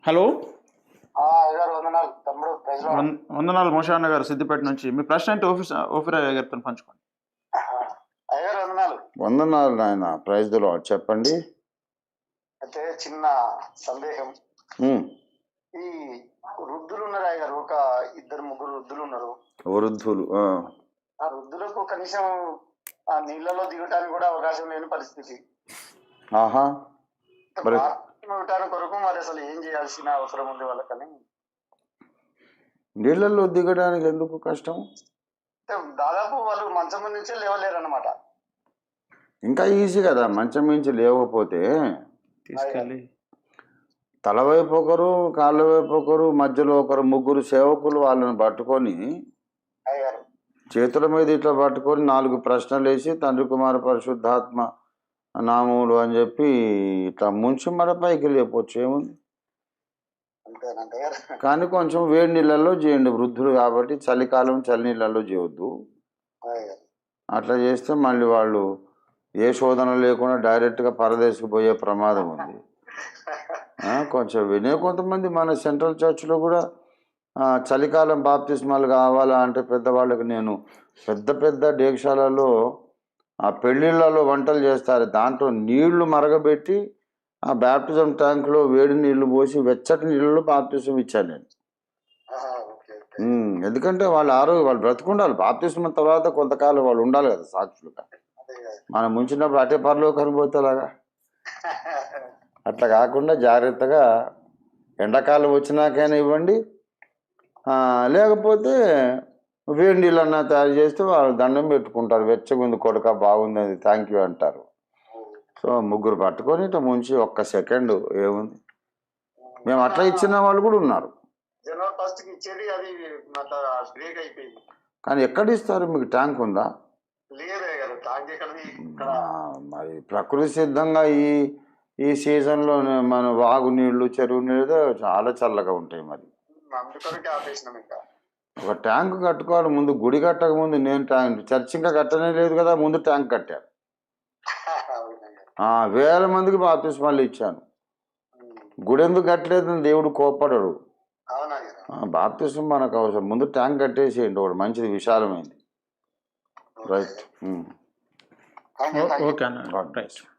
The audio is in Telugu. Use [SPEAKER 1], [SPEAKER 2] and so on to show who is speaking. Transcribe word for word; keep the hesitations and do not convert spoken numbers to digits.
[SPEAKER 1] హలో.
[SPEAKER 2] ఆ, అయ్యగారు వందనాలు తమ్ముడు. Praise lord.
[SPEAKER 1] వం- వందనాలు మోషా అన్న గారు సిద్దిపేట నుంచి. మీ ప్రశ్న ఏంటి ఓఫీస్ ఓఫీర్ అయ్య గారితో పంచుకోండి.
[SPEAKER 2] అయ్యగారు వందనాలు.
[SPEAKER 3] వందనాలు నాయన. Praise the lord. చెప్పండి.
[SPEAKER 2] అయితే చిన్న సందేహం.
[SPEAKER 3] ఉమ్,
[SPEAKER 2] ఈ వృద్ధులు ఉన్నారు అయ్యగారు, ఒక ఇద్దరు ముగ్గురు వృద్ధులు ఉన్నారు.
[SPEAKER 3] వృద్ధులు. ఆ,
[SPEAKER 2] ఆ వృద్ధులకు కనీసం ఆ నీళ్ళలో దిగటానికి కూడా అవకాశం లేని పరిస్థితి.
[SPEAKER 3] ఆహా. మరి
[SPEAKER 2] ఇవ్వటానికి కొరకు మరి అసలు ఏం చేయాల్సిన అవసరం ఉంది వాళ్ళకని.
[SPEAKER 3] నీళ్ళల్లో దిగడానికి ఎందుకు కష్టం?
[SPEAKER 2] అంటే దాదాపు వాళ్ళు మంచం మీద నుంచే లేవలేరు అనమాట.
[SPEAKER 3] ఇంకా ఈజీ కదా. మంచం మించి లేవకపోతే
[SPEAKER 1] తీసుకెళ్ళి
[SPEAKER 3] తల వైపు ఒకరు, కాళ్ళ వైపు ఒకరు, మధ్యలో ఒకరు, ముగ్గురు సేవకులు వాళ్ళని పట్టుకొని
[SPEAKER 2] అయ్యగారు
[SPEAKER 3] చేతుల మీద ఇట్లా పట్టుకొని నాలుగు ప్రశ్నలు వేసి తండ్రి కుమార పరిశుద్ధాత్మ నామములు అని చెప్పి ఇట్లా ముంచి మన పైకి లేపొచ్చు, ఏముంది.
[SPEAKER 2] అంతేనండి అయ్యగారు.
[SPEAKER 3] కానీ కొంచెం వేడి నీళ్ళల్లో చేయండి. వృద్ధులు కాబట్టి చలికాలం చలి నీళ్ళల్లో చేయొద్దు.
[SPEAKER 2] అయ్యగారు
[SPEAKER 3] అట్లా చేస్తే మళ్ళీ వాళ్ళు ఏ శోధన లేకుండా డైరెక్ట్గా పరదేశకు పోయే ప్రమాదం ఉంది. ఆ, కొంచెం వినే కొంతమంది మన సెంట్రల్ చర్చ్లో కూడా ఆ, చలికాలం బాప్తిస్మాలు కావాలా అంటే పెద్దవాళ్ళకి నేను పెద్ద పెద్ద డేక్షాలలో ఆ పెళ్ళిళ్ళలో వంటలు చేస్తారు. దాంట్లో నీళ్లు మరగబెట్టి ఆ బ్యాప్టిజం ట్యాంక్లో వేడి నీళ్లు పోసి వెచ్చటి నీళ్ళలో బాప్తిజం ఇచ్చాను నేను.
[SPEAKER 2] ఆహా, ఓకే ఓకే.
[SPEAKER 3] ఉమ్, ఎందుకంటే వాళ్ళు ఆరోగ్య వాళ్ళు బ్రతుకుండాలి. బాప్తిజం తర్వాత కొంతకాలం వాళ్ళు ఉండాలి కదా సాక్షులుగా.
[SPEAKER 2] అదే కదా.
[SPEAKER 3] మనం ముంచినప్పుడు అటే పరలోకానికి పోతేలాగా అట్లా కాకుండా జాగ్రత్తగా ఎండాకాలం వచ్చినాకైనా ఇవ్వండి. ఆ, లేకపోతే వేడి నీళ్ళన్నా తయారు చేస్తే వాళ్ళు దండం పెట్టుకుంటారు. వెచ్చగుంది కొడుక, బాగుంది, అది థ్యాంక్ యూ అంటారు. సో ముగ్గురు పట్టుకొని ఇట్లా ముంచి ఒక్క సెకండ్ ఏముంది. మేము అట్లా ఇచ్చిన వాళ్ళు కూడా ఉన్నారు.
[SPEAKER 2] జనవరి ఫస్ట్ కి ఇచ్చేది అది అట్లా బ్రేక్ అయిపోయింది.
[SPEAKER 3] కానీ ఎక్కడ ఇస్తారు? మీకు ట్యాంక్ ఉందా?
[SPEAKER 2] లేదే కదా ట్యాంక్ ఎక్కడది ఇక్కడ.
[SPEAKER 3] ఆ, మరి ప్రకృతి సిద్ధంగా ఈ ఈ సీజన్లో మన వాగు నీళ్లు, చెరువు నీళ్ళు చాలా చల్లగా ఉంటాయి. మరి
[SPEAKER 2] అందుకొరకే ఆపేసినాం ఇంకా.
[SPEAKER 3] ఒక ట్యాంక్ కట్టుకోవాలి. ముందు గుడి కట్టక ముందు నేను ట్యాంక్ చర్చ్ ఇంకా కట్టనే లేదు కదా, ముందు ట్యాంక్ కట్టాను.
[SPEAKER 2] అవునయ్యా.
[SPEAKER 3] ఆ, వేల మందికి బాప్తిస్మాలు ఇచ్చాను. గుడి ఎందుకు కట్టలేదని దేవుడు కోప్పడడు.
[SPEAKER 2] అవునయ్యా.
[SPEAKER 3] ఆ, బాప్తిస్మం మనకు అవసరం. ముందు ట్యాంక్ కట్టేసేయండి ఒకటి మంచిది, విశాలమైంది. Right.
[SPEAKER 2] Thank you, thank you.
[SPEAKER 1] Okay అన్న. రైట్.